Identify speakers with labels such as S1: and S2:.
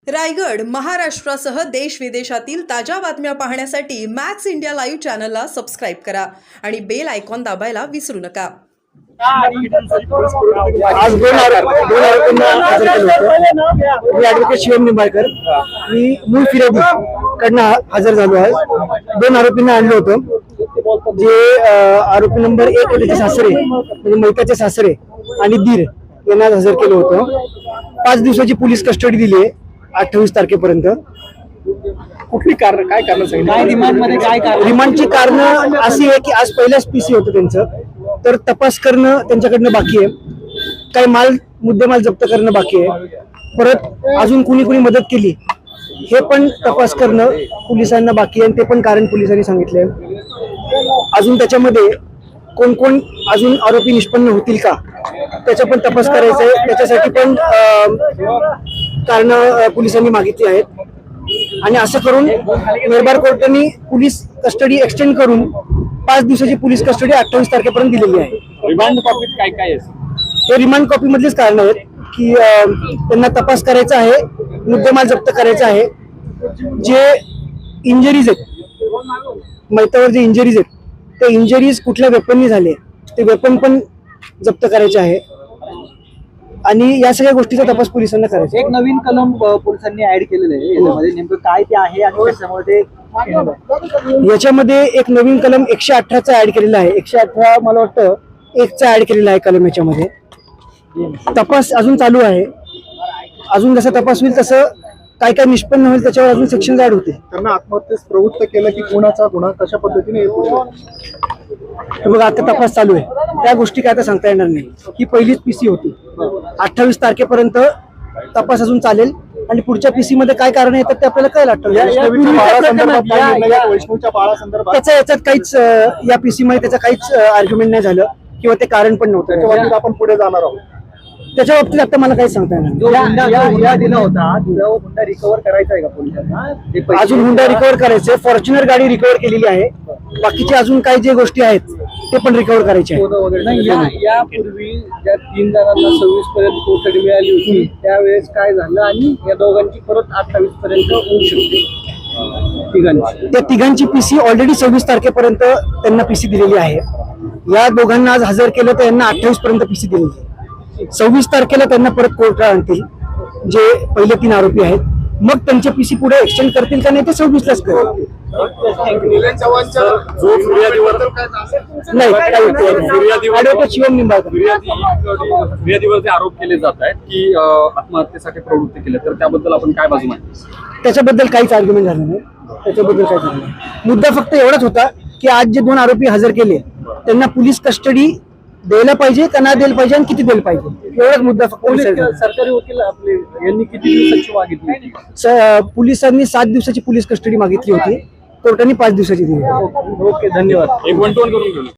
S1: रायगड महाराष्ट्रासह देश विदेशातील ताज्या बातम्या पाहण्यासाठी मॅक्स इंडिया लाईव्ह चॅनलला सबस्क्राईब करा आणि बेल आयकॉन दाबायला विसरू नका।
S2: आज दोन आरोपींना हजर केलं होतं। मी ॲडव्होकेट शिवम निंबाळकर मी मूळ फिर्यादी कडनं हजर झालो आहे। दोन आरोपींना आणलं होतं जे आरोपी नंबर 1 त्याचे सासरे म्हणजे मैताचे सासरे आणि दीर यांना हजर केलं होतं। 5 दिवसाची पोलीस कस्टडी दिली आहे 28 तारखेपर्यंत। कुठली कारण काय कारण सांगितलं रिमांडमध्ये काय कारण? रिमांडची कारण अशी आहे की आज पहिल्याच पीसी होतं त्यांचं, तर तपास करणं त्यांच्याकडनं बाकी आहे। काही मुद्देमाल जप्त करणं बाकी आहे। परत अजून कुणी मदत केली हे पण तपास करणं पोलिसांना बाकी आहे, ते पण कारण पोलिसांनी सांगितलंय। अजून त्याच्यामध्ये कोण अजून आरोपी निष्पन्न होतील का त्याचा पण तपास करायचा आहे। त्याच्यासाठी पण कारण पोलिसांनी मागितली आहेत आणि असं करून मेहरबार कोर्टाने पोलीस कस्टडी एक्सटेंड करून 5 दिवसाची पोलीस कस्टडी 28 तारखेपर्यंत दिलेली आहे।
S3: रिमांड कॉपीत काय काय आहे?
S2: हे रिमांड कॉपी मधलेच कारण आहेत की त्यांना तपास करायचा आहे, मुद्देमाल जप्त करायचा आहे। जे इंजरीज आहेत मैतावर जे इंजरीज आहेत ते इंजरीज कुठल्या वेपननी झाले ते वेपन पण जप्त करायचे आहे आणि या सगळ्या गोष्टीचा तपास पोलिसांना करायचा।
S4: एक नवीन कलम पोलिसांनी ऍड केलेलं आहे याच्यामध्ये, नेमकं काय ते आहे आणि त्याच्यामध्ये
S2: याच्यामध्ये एक नवीन कलम 118 चा ऍड केलेला आहे। 118 मला वाटतं 1 चा ऍड केलेला आहे कलम। याच्यामध्ये तपास अजून चालू आहे। अजून जसा तपास होईल तसं काय काय निष्पन्न होईल त्याच्यावर अजून सेक्शन ऍड होते।
S5: त्यांना आत्महत्येस प्रवृत्त केलं की कोणाचा गुन्हा कशा पद्धतीने
S2: बघा आता तपास चालू आहे, त्या गोष्टी काय आता सांगता येणार नाही। ही पहिलीच पीसी होती। 28 तारखेपर्यंत तपास अजून चालेल आणि पुढच्या पीसी मध्ये काय कारण येतात ते आपल्याला कळेल।
S5: वैष्णवच्या बाळासंदर्भात
S2: त्याचा याच्यात काहीच या पीसी मध्ये त्याचं काहीच आर्ग्युमेंट नाही झालं किंवा ते कारण पण नव्हतं।
S5: त्याच्या बाबतीत आपण पुढे जाणार आहोत।
S2: त्याच्या बाबतीत आता मला काही सांगता येणार
S4: जो हुंडा दिला होता तो हुंडा रिकव्हर करायचा आहे का पोलिसांना?
S2: अजून हुंडा रिकव्हर करायचे। फॉर्च्युनर गाडी रिकव्हर केलेली आहे, बाकीचे अजून काही जे गोष्टी आहेत ते पण रिकव्हर करायचे आहे।
S4: यापूर्वी ज्या 3 जणांना 26 पर्यंत कोठडी मिळाली होती त्यावेळेस काय झालं आणि या दोघांची परत 28 पर्यंत होऊ शकते तिघांची?
S2: त्या तिघांची पीसी ऑलरेडी 26 तारखेपर्यंत त्यांना पीसी दिलेली आहे। या दोघांना आज हजर केलं तर यांना 28 पर्यंत पीसी दिलेली आहे। 26 तारखेला त्यांना परत कोर्टात आणतील जे पहिले 3 आरोपी आहेत, मग त्यांचे पीसी पुढे एक्सटेंड करतील का नाही ते 26लाच करतील। ॲडव्होकेट शिवम निंबाळकर
S3: फिर्यादीवर जे आरोप केले जात आहेत की आत्महत्येसाठी प्रवृत्त केले, तर त्याबद्दल आपण काय बाजू मांडतो?
S2: त्याच्याबद्दल काहीच आर्ग्युमेंट झालं नाही। त्याच्याबद्दल काहीच झालं नाही। मुद्दा फक्त एवढाच होता की आज जे 2 आरोपी हजर केले त्यांना पोलीस कस्टडी द्यायला पाहिजे का नाही द्यायला पाहिजे आणि किती द्यायला पाहिजे एवढाच मुद्दा फक्त।
S4: सरकारी वकील आपले यांनी किती दिवसाची मागितली?
S2: पोलिसांनी 7 दिवसाची पोलीस कस्टडी मागितली होती, कोर्टाने 5 दिवसाची दिली।
S4: ओके, धन्यवाद।
S3: एक 1-to-1 करून घेऊ.